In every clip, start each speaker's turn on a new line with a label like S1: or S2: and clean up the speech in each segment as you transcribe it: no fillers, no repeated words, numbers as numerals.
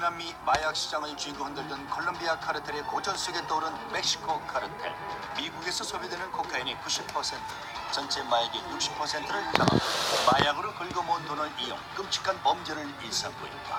S1: 중남미 마약 시장의 주인공 흔들던 콜롬비아 카르텔의 고전 속에 떠오른 멕시코 카르텔. 미국에서 소비되는 코카인이 90%, 전체 마약의 60%를 장악. 마약으로 긁어모은 돈을 이용 끔찍한 범죄를 일삼고 있다.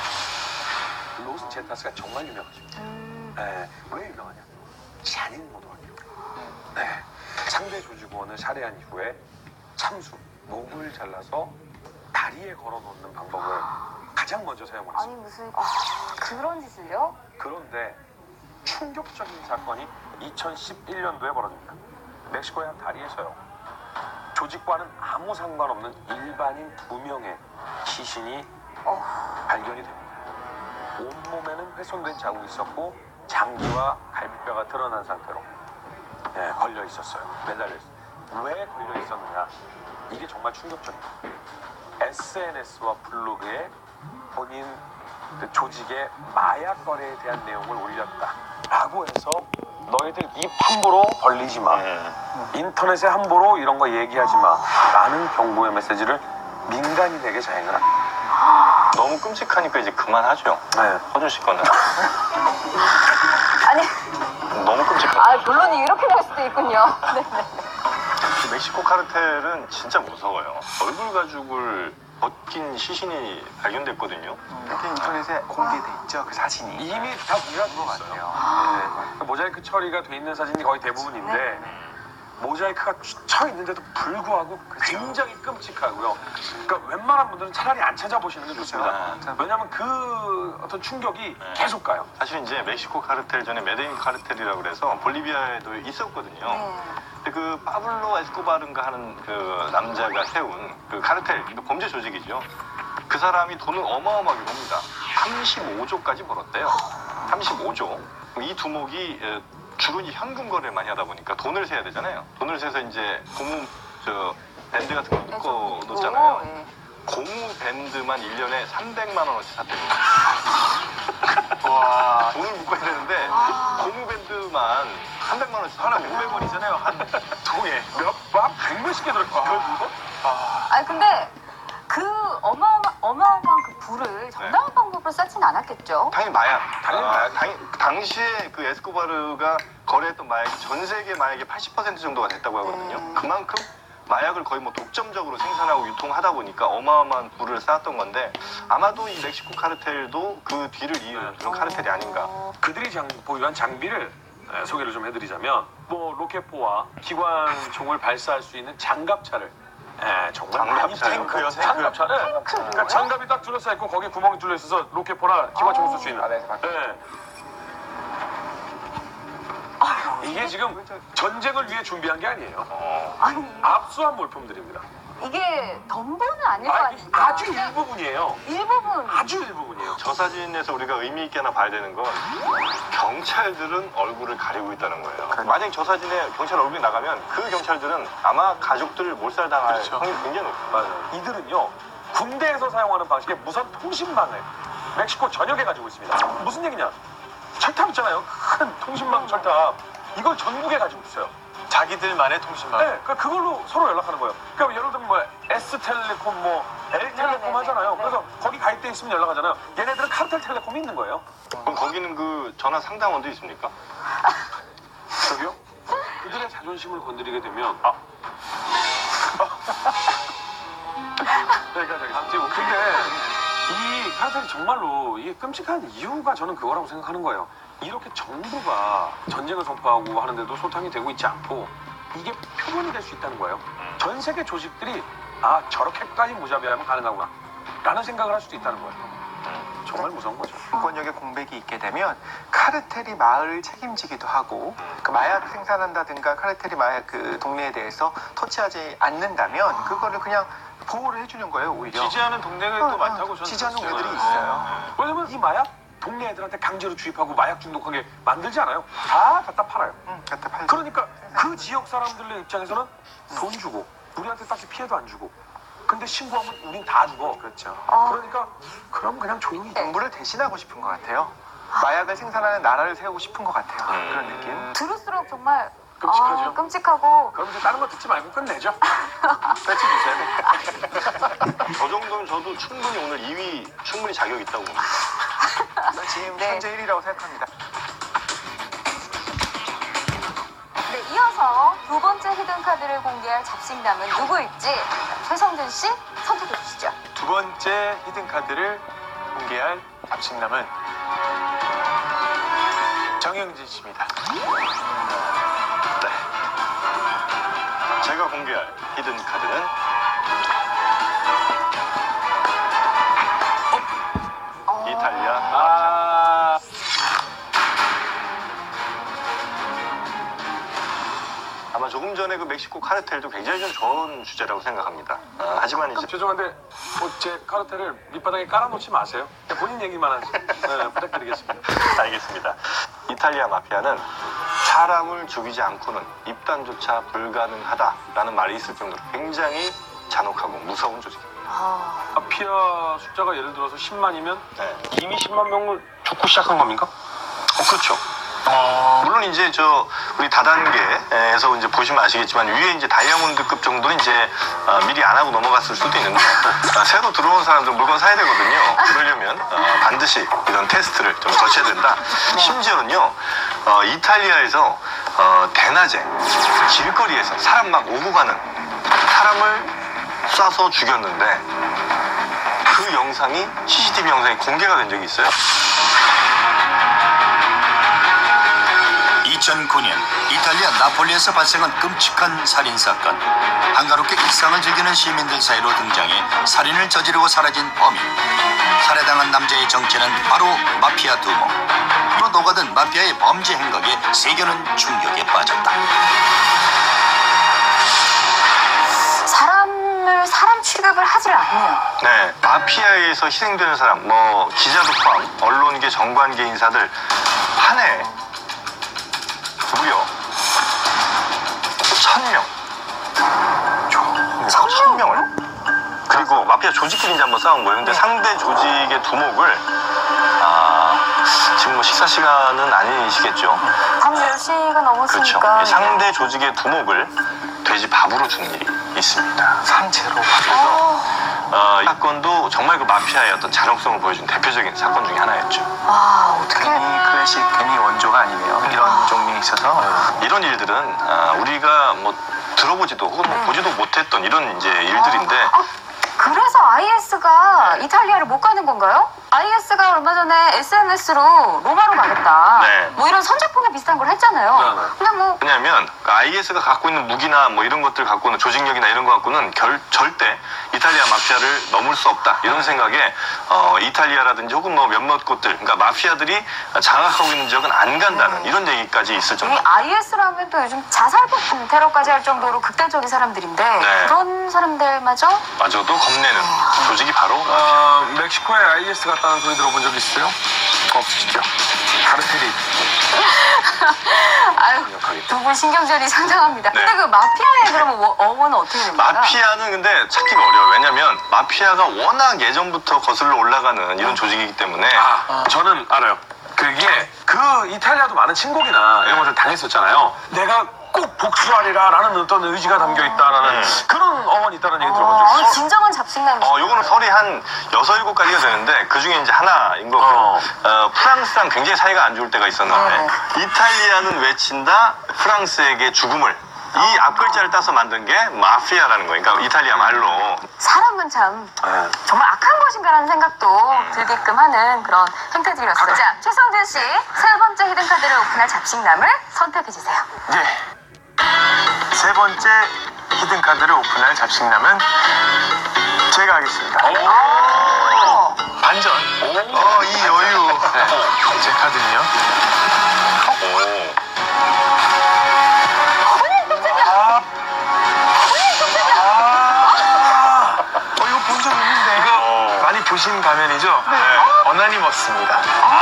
S2: 로스 제타스가 정말 유명하죠. 네, 왜 유명하냐? 잔인모독이요. 네, 상대 조직원을 살해한 이후에 참수, 목을 잘라서 다리에 걸어놓는 방법을 가장 먼저 사용을
S3: 아니
S2: 했습니다.
S3: 무슨 그런 짓을요?
S2: 그런데 충격적인 사건이 2011년도에 벌어집니다. 멕시코의 한 다리에서요. 조직과는 아무 상관없는 일반인 2명의 시신이 발견이 됩니다. 온몸에는 훼손된 자국이 있었고 장기와 갈비뼈가 드러난 상태로 걸려 있었어요. 매달려 있어요. 왜 걸려 있었느냐? 이게 정말 충격적입니다. SNS와 블로그에 본인 그 조직의 마약 거래에 대한 내용을 올렸다라고 해서 너희들 입 함부로 벌리지 마. 인터넷에 함부로 이런 거 얘기하지 마. 라는 경고의 메시지를 민간인에게 자행을 합니다.
S4: 너무 끔찍하니까 이제 그만하죠.
S2: 네.
S4: 허준 씨 거는.
S3: 아니
S4: 너무 끔찍하죠.
S3: 결론이 이렇게 날 수도 있군요. 네.
S4: 멕시코 카르텔은 진짜 무서워요. 얼굴 가죽을 벗긴 시신이 발견됐거든요.
S5: 이렇게 인터넷에 공개돼 있죠, 그 사진이.
S2: 이미 다 공개가 된것 같아요. 네. 모자이크 처리가 돼 있는 사진이 거의 대부분인데
S3: 네.
S2: 모자이크가 쳐 있는데도 불구하고 굉장히 끔찍하고요. 그러니까 웬만한 분들은 차라리 안 찾아보시는 게 좋습니다. 왜냐하면 그 어떤 충격이 계속 가요.
S4: 사실 이제 멕시코 카르텔 전에 메데인 카르텔이라고 그래서 볼리비아에도 있었거든요.
S3: 네.
S4: 근데 그 파블로 에스코바르인가 하는 그 남자가 세운 그 카르텔, 범죄 조직이죠. 그 사람이 돈을 어마어마하게 법니다. 35조까지 벌었대요. 35조. 이 두목이 주로 이 현금 거래를 많이 하다 보니까 돈을 세야 되잖아요. 돈을 세서 이제 고무 밴드 같은 거 묶어 놓잖아요.
S3: 네.
S4: 고무 밴드만 1년에 300만 원어치 샀대요.
S5: 와,
S4: 돈을 묶어야 되는데 고무 밴드만 300만 원씩 하나 500원이잖아요. 한 통에
S2: 한 100몇십 개 들어있어요.
S3: 아니 근데 그 어마어마한 그 불을 정당한 방법으로 쌓지는 않았겠죠?
S4: 당연히 마약.
S2: 당연히 마약.
S4: 당시에 그 에스코바르가 거래했던 마약이 전 세계 마약의 80% 정도가 됐다고 하거든요. 그만큼 마약을 거의 뭐 독점적으로 생산하고 유통하다 보니까 어마어마한 부를 쌓았던 건데 아마도 이 멕시코 카르텔도 그 뒤를 이은 그런 카르텔이 아닌가.
S2: 그들이 보유한 장비를 소개를 좀 해드리자면 뭐 로켓포와 기관총을 발사할 수 있는 장갑차를 정말 많이
S4: 장갑차요?
S2: 탱크요, 장갑차를. 그러니까 장갑이 딱 둘러싸여 있고 거기에 구멍이 뚫려 있어서 로켓포나 기관총을 쏠 수 있는. 이게 지금 전쟁을 위해 준비한 게 아니에요.
S3: 아니
S2: 압수한 물품들입니다.
S3: 이게 덤보는 아닐 거 아닙니까?
S2: 아주 일부분이에요.
S3: 일부분.
S2: 아주 일부분이에요.
S4: 저 사진에서 우리가 의미 있게 하나 봐야 되는 건 경찰들은 얼굴을 가리고 있다는 거예요. 만약에 저 사진에 경찰 얼굴이 나가면 그 경찰들은 아마 가족들을 몰살당할 확률이 굉장히 높아요.
S2: 맞아요. 이들은요 군대에서 사용하는 방식의 무선 통신망을 멕시코 전역에 가지고 있습니다. 무슨 얘기냐? 철탑 있잖아요. 큰 통신망 철탑. 이걸 전국에 가지고 있어요.
S5: 자기들만의 통신망.
S2: 네, 그러니까 그걸로 서로 연락하는 거예요. 그러니까 예를 들면 뭐 S텔레콤, 뭐 L텔레콤
S3: 네네네.
S2: 하잖아요.
S3: 네.
S2: 그래서 거기 가입돼 있으면 연락하잖아요. 얘네들은 카르텔텔레콤이 있는 거예요.
S4: 그럼 거기는 그 전화 상담원도 있습니까?
S2: 저기요? 그들의 자존심을 건드리게 되면 그러니까 아무튼 근데 이 카르텔이 정말로 이게 끔찍한 이유가 저는 그거라고 생각하는 거예요. 이렇게 정부가 전쟁을 선포하고 하는데도 소탕이 되고 있지 않고 이게 표본이 될 수 있다는 거예요. 전 세계 조직들이 저렇게까지 무자비하면 가능하구나 라는 생각을 할 수도 있다는 거예요. 정말 무서운 거죠.
S5: 공권력의 공백이 있게 되면 카르텔이 마을을 책임지기도 하고 그 마약 생산한다든가 카르텔이 마약 그 동네에 대해서 터치하지 않는다면 그거를 그냥 보호를 해주는 거예요, 오히려.
S2: 지지하는 동네가 또 많다고 저는
S5: 지지하는
S2: 들었어요.
S5: 동네들이 있어요.
S2: 왜냐면 이 마약 동네 애들한테 강제로 주입하고 마약 중독하게 만들지 않아요. 다 갖다 팔아요.
S5: 갖다 팔죠.
S2: 그러니까 그 지역 사람들의 입장에서는 돈 주고 우리한테 딱히 피해도 안 주고 근데 신고하면 우린 다 죽어.
S5: 그렇죠.
S2: 그러니까 그럼 그냥 조용히
S5: 정부를 대신하고 싶은 것 같아요. 마약을 생산하는 나라를 세우고 싶은 것 같아요. 그런 느낌.
S3: 들을수록 정말
S2: 끔찍하죠.
S3: 끔찍하고
S2: 그럼 이제 다른 거 듣지 말고 끝내죠.
S4: 저 정도면 저도 충분히 오늘 2위 충분히 자격 있다고 봅니다.
S5: 지금
S3: 네.
S5: 현재 1위라고 생각합니다.
S3: 네, 이어서 두 번째 히든카드를 공개할 잡식남은 누구일지 최성준 씨 선택해 주시죠.
S5: 두 번째 히든카드를 공개할 잡식남은 정영진 씨입니다.
S4: 네. 제가 공개할 히든 카드는 이탈리아
S2: 아,
S4: 아마 조금 전에 그 멕시코 카르텔도 굉장히 좀 좋은 주제라고 생각합니다. 하지만 이제
S2: 죄송한데 제 카르텔을 밑바닥에 깔아놓지 마세요. 그냥 본인 얘기만 하세요. 네, 부탁드리겠습니다.
S4: 알겠습니다. 이탈리아 마피아는 사람을 죽이지 않고는 입단조차 불가능하다라는 말이 있을 정도로 굉장히 잔혹하고 무서운 조직입니다.
S2: 마피아 숫자가 예를 들어서 10만이면
S4: 네.
S2: 이미 10만 명을 죽고 시작한 겁니까?
S4: 그렇죠. 물론 이제 우리 다단계에서 이제 보시면 아시겠지만 위에 이제 다이아몬드급 정도는 이제 미리 안 하고 넘어갔을 수도 있는데 새로 들어온 사람들 물건 사야 되거든요. 그러려면 반드시 이런 테스트를 좀 거쳐야 된다. 심지어는요 이탈리아에서 대낮에 길거리에서 사람 막 오고 가는 사람을 쏴서 죽였는데 그 영상이 CCTV 영상이 공개가 된 적이 있어요.
S1: 2009년 이탈리아 나폴리에서 발생한 끔찍한 살인사건. 한가롭게 일상을 즐기는 시민들 사이로 등장해 살인을 저지르고 사라진 범인. 살해당한 남자의 정체는 바로 마피아 두목. 로 녹아든 마피아의 범죄 행각에 세계는 충격에 빠졌다.
S3: 사람 취급을 하질 않네요.
S4: 네, 마피아에서 희생되는 사람, 기자도 포함, 언론계, 정관계 인사들 한 해 무려 1,000명. 1,000명을. 그리고 마피아 조직끼리 이제 한번 싸운 거예요. 근데 상대 조직의 두목을 지금 식사 시간은 아니시겠죠?
S3: 밤 10시가
S4: 그렇죠.
S3: 넘었으니까.
S4: 이 상대 조직의 두목을 돼지 밥으로 주는 일이 있습니다.
S5: 산채로.
S4: 이 사건도 정말 그 마피아의 어떤 잔혹성을 보여준 대표적인 사건 중에 하나였죠.
S3: 어떻게.
S5: 괜히 클래식, 괜히 원조가 아니네요. 이런 종류에 있어서.
S4: 이런 일들은 우리가 들어보지도 혹은 보지도 못했던 이런 이제 일들인데
S3: 그래서 IS가 이탈리아를 못 가는 건가요? IS가 얼마 전에 SNS로 로마로 가겠다.
S4: 네.
S3: 이런 선제풍에 비슷한 걸 했잖아요.
S2: 네, 네.
S3: 근데
S4: 왜냐하면 IS가 갖고 있는 무기나 이런 것들 갖고는 조직력이나 이런 거 갖고는 절대 이탈리아 마피아를 넘을 수 없다 이런 생각에 이탈리아라든지 혹은 몇몇 곳들 그러니까 마피아들이 장악하고 있는 지역은 안 간다는 이런 얘기까지 있을
S3: 이
S4: 정도.
S3: IS라면 또 요즘 자살폭풍 테러까지 할 정도로 극단적인 사람들인데
S4: 네.
S3: 그런 사람들마저
S4: 마저도 겁내는 조직이 바로
S2: 멕시코에 IS 갔다는 소리 들어본 적 있어요? 없으시죠? 카르텔이
S3: 아유 두 분 신경전이 상당합니다.
S4: 네.
S3: 근데 그 마피아의 그러면 어원은 어떻게 됩니까?
S4: 마피아는 근데 찾기가 어려워요. 왜냐면 마피아가 워낙 예전부터 거슬러 올라가는 이런 조직이기 때문에
S2: 저는 알아요. 그게 그 이탈리아도 많은 침공이나 이런 것을 당했었잖아요. 내가 꼭 복수하리라 라는 어떤 의지가 담겨있다라는 그런 어원이 있다는 얘기 들어본 적 있어요.
S3: 진정한 잡식남이시죠.
S4: 요거는 설이 한 6, 7가지가 되는데 그 중에 이제 하나인 거고 프랑스랑 굉장히 사이가 안 좋을 때가 있었는데 이탈리아는 외친다 프랑스에게 죽음을 이 앞글자를 따서 만든 게 마피아라는 거예요. 그러니까 이탈리아 말로.
S3: 사람은 참 정말 악한 것인가라는 생각도 들게끔 하는 그런 행태들이었어요. 자, 최성준 씨 세 번째 히든카드를 오픈할 잡식남을 선택해주세요.
S5: 예. 세 번째 히든카드를 오픈할 잡식남은 제가 하겠습니다. 반전. 이 여유. 네. 제 카드는요. 이거 본 적 있는데. 이거 많이 보신 가면이죠? 네. 어나니머스입니다.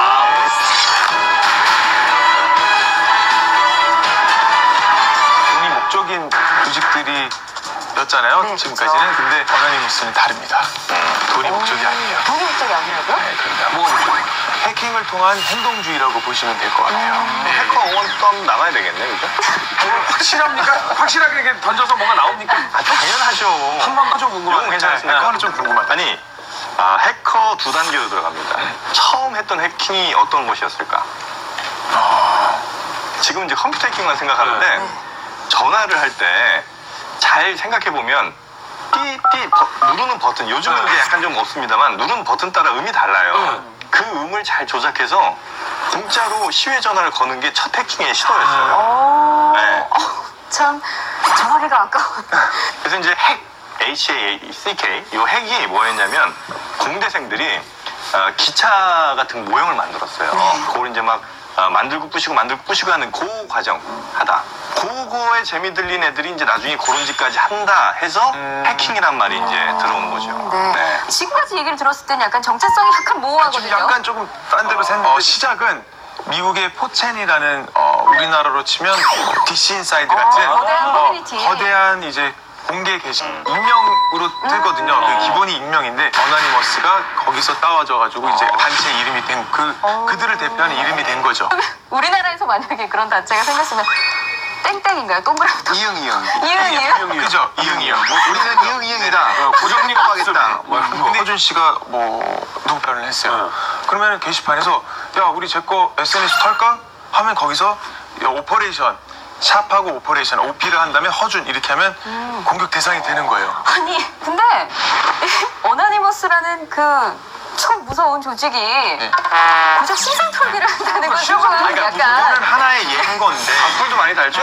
S5: 돈이 목적인 조직들이 였잖아요.
S3: 네,
S5: 지금까지는.
S3: 그렇죠.
S5: 근데 어나니머스는 다릅니다. 돈이 목적이 아니에요.
S3: 돈이 목적이 아니라고요?
S5: 네, 그러니까 뭐 해킹을 통한 행동주의라고 보시면 될 것 같아요. 네.
S4: 해커 응원도 한번 나가야 되겠네, 그죠?
S2: 확실합니까? 확실하게 이렇게 던져서 뭐가 나옵니까?
S4: 당연하죠.
S2: 한번 좀 궁금하네.
S4: 이건 괜찮습니다.
S5: 해커는 좀 궁금하다.
S4: 아니, 해커 2단계로 들어갑니다. 처음 했던 해킹이 어떤 것이었을까? 지금 이제 컴퓨터 해킹만 생각하는데 전화를 할 때 잘 생각해 보면 띠띠 누르는 버튼 요즘은 이제 약간 좀 없습니다만 누르는 버튼 따라 음이 달라요. 그 음을 잘 조작해서 공짜로 시외 전화를 거는 게 첫 해킹의 시도였어요. 네.
S3: 참 전화기가 아까워.
S4: 그래서 이제 HACK 이 핵이 뭐였냐면 공대생들이 기차 같은 모형을 만들었어요. 그걸 이제 막 만들고 부시고 하는 그 과정 하다. 그거에 재미 들린 애들이 이제 나중에 그런 짓까지 한다 해서 해킹이란 말이 이제 들어오는 거죠.
S3: 네. 지금까지 얘기를 들었을 때는 약간 정체성이 약간 모호하거든요.
S5: 약간 조금 딴 데로 샜는데 시작은 미국의 포첸이라는 우리나라로 치면 DC 인사이드 같은
S3: 거대한 커뮤니티.
S5: 거대한 이제 공개 게시판 익명으로 뜨거든요. 그 기본이 익명인데 어나니머스가 거기서 따와져가지고 이제 단체 이름이 된 그들을 대표하는 이름이 된 거죠.
S3: 우리나라에서 만약에 그런 단체가 생겼으면 땡땡인가요? 동그라미. 이응.
S5: 그죠? 이응이요.
S1: 우리는 이응이다.
S5: 고정리가 하겠다.
S2: 근데
S5: 허준 씨가 누구 편을 했어요. 그러면 게시판에서 야 우리 제 거 SNS 털까? 하면 거기서 야, 오퍼레이션 샵하고 오퍼레이션 OP를 한다면 허준 이렇게 하면 공격 대상이 되는 거예요.
S3: 아니 근데 어나니머스라는 그 참 무서운 조직이 고작 신상 털기를 한다는 건 조금
S5: 그러니까
S3: 약간
S5: 이거는 하나의 예인건데
S4: 악플도 많이 달죠?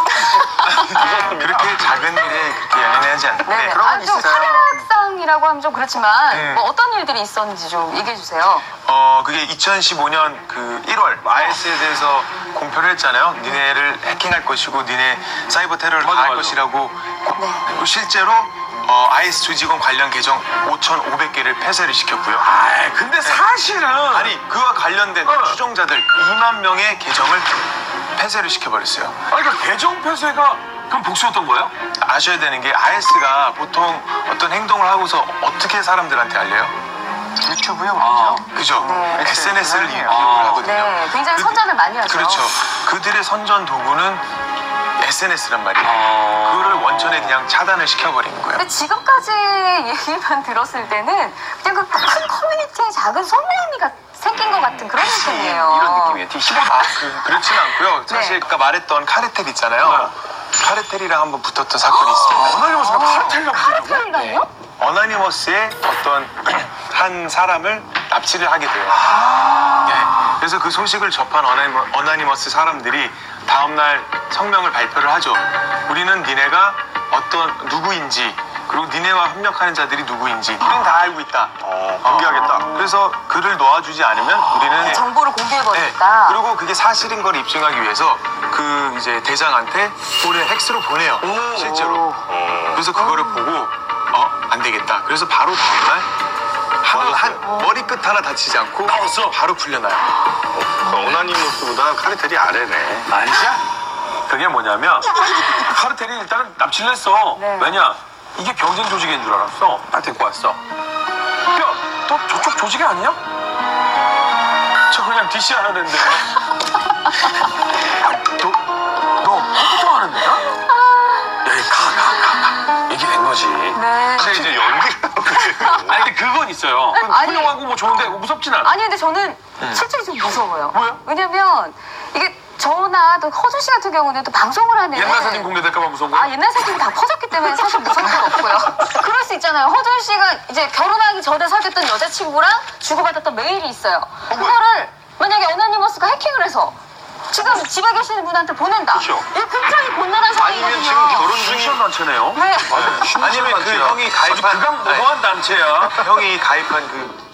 S5: 그렇게 작은 일에 그렇게 연연하지 않는데
S3: 네네.
S5: 그런 건
S3: 좀
S5: 있어요.
S3: 카메라상이라고 하면 좀 그렇지만 뭐 어떤 일들이 있었는지 좀 얘기해 주세요.
S5: 그게 2015년 그 1월 IS에 대해서 공표를 했잖아요. 니네를 해킹할 것이고 니네 사이버 테러를 할 것이라고. 그리고 실제로 IS 조직원 관련 계정 5,500개를 폐쇄를 시켰고요.
S2: 근데 사실은
S5: 아니 그와 관련된 추종자들 2만 명의 계정을 폐쇄를 시켜버렸어요.
S2: 그러니까 계정 폐쇄가 그럼 복수였던 거예요?
S5: 아셔야 되는 게 IS가 보통 어떤 행동을 하고서 어떻게 사람들한테 알려요?
S1: 유튜브요?
S5: 그죠? SNS를 이용을 하거든요.
S3: 네, 굉장히 선전을 많이 하죠.
S5: 그렇죠. 그들의 선전 도구는 SNS란 말이에요. 그거를 원천에 그냥 차단을 시켜버린 거예요.
S3: 근데 지금까지 얘기만 들었을 때는 그냥 그 큰 커뮤니티에 작은 손놀림이가 생긴 것 같은 그런 느낌이에요.
S1: 이런 느낌이에요. D15.
S5: 그렇지는 않고요. 사실
S3: 네.
S5: 아까 말했던 카르텔 있잖아요. 카르텔이랑 한번 붙었던 사건이 있습니다.
S2: 어나니머스가 카르텔이라고 부르냐고?
S3: 카르텔이라뇨?
S5: 어나니머스의 어떤 한 사람을 납치를 하게 돼요. 네. 그래서 그 소식을 접한 어나니머스 사람들이 다음날 성명을 발표를 하죠. 우리는 니네가 어떤 누구인지 그리고 니네와 협력하는 자들이 누구인지 우리는 다 알고 있다.
S4: 공개하겠다.
S5: 그래서 그를 놓아주지 않으면 우리는
S3: 정보를 공개해버렸다.
S5: 그리고 그게 사실인 걸 입증하기 위해서 그 이제 대장한테 팩스로 보내요. 실제로. 그래서 그거를 보고 안 되겠다. 그래서 바로 다음날 머리끝 하나 다치지 않고 바로 풀려나요.
S4: 어나니머스보다 카르텔이 아래네.
S2: 아니야? 그게 뭐냐면 카르텔이 일단은 납치를 했어.
S3: 네.
S2: 왜냐? 이게 경쟁 조직인 줄 알았어. 딱 데리고 왔어. 야, 너 저쪽 조직이 아니냐? 저 그냥 DC 하는데. 너 컴퓨터 하는 데야? 여기 가. 이게 된 거지.
S3: 네.
S4: 근데 이제 연기를
S2: 아니 근데 그건 있어요.
S3: 아니.
S2: 훌륭하고 뭐 좋은데 무섭진 않아.
S3: 아니 근데 저는 실제로 좀 무서워요.
S2: 왜요?
S3: 왜냐면 이게 저나 또 허준 씨 같은 경우는 또 방송을 하는
S2: 옛날 사진 공개될까봐 무서운 거야?
S3: 옛날 사진이 다 퍼졌기 때문에 사실 무서운 건 없고요. 그럴 수 있잖아요. 허준 씨가 이제 결혼하기 전에 사귀었던 여자친구랑 주고받았던 메일이 있어요. 그거를 만약에 어나니머스가 해킹을 해서 지금 집에 계시는 분한테 보낸다.
S4: 그렇죠.
S3: 이거 굉장히 곤란한 상황이거든요.
S4: 아니면 지금 결혼
S2: 신시한
S4: 중인
S2: 단체네요.
S3: 네.
S5: 아니면 그 형이 가입한
S2: 극악무도한 단체야.
S5: 형이 가입한 그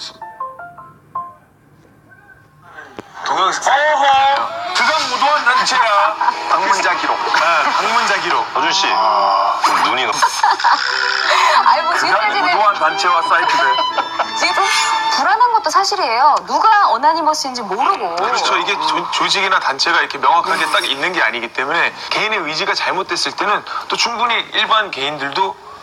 S5: 동영상
S2: 어허, 극악무도한 단체야.
S5: 방문자 기록. 방문자 기록.
S4: 어준 씨 눈이 너무
S3: 아니 뭐 지금까지는
S2: 극악무도한 단체와 사이트들.
S3: 지금 좀 불안한 것도 사실이에요. 누가 어나니머스인지 모르고.
S5: 그렇죠. 이게 조직이나 단체가 이렇게 명확하게 딱 있는 게 아니기 때문에 개인의 의지가 잘못됐을 때는 또 충분히 일반 개인들도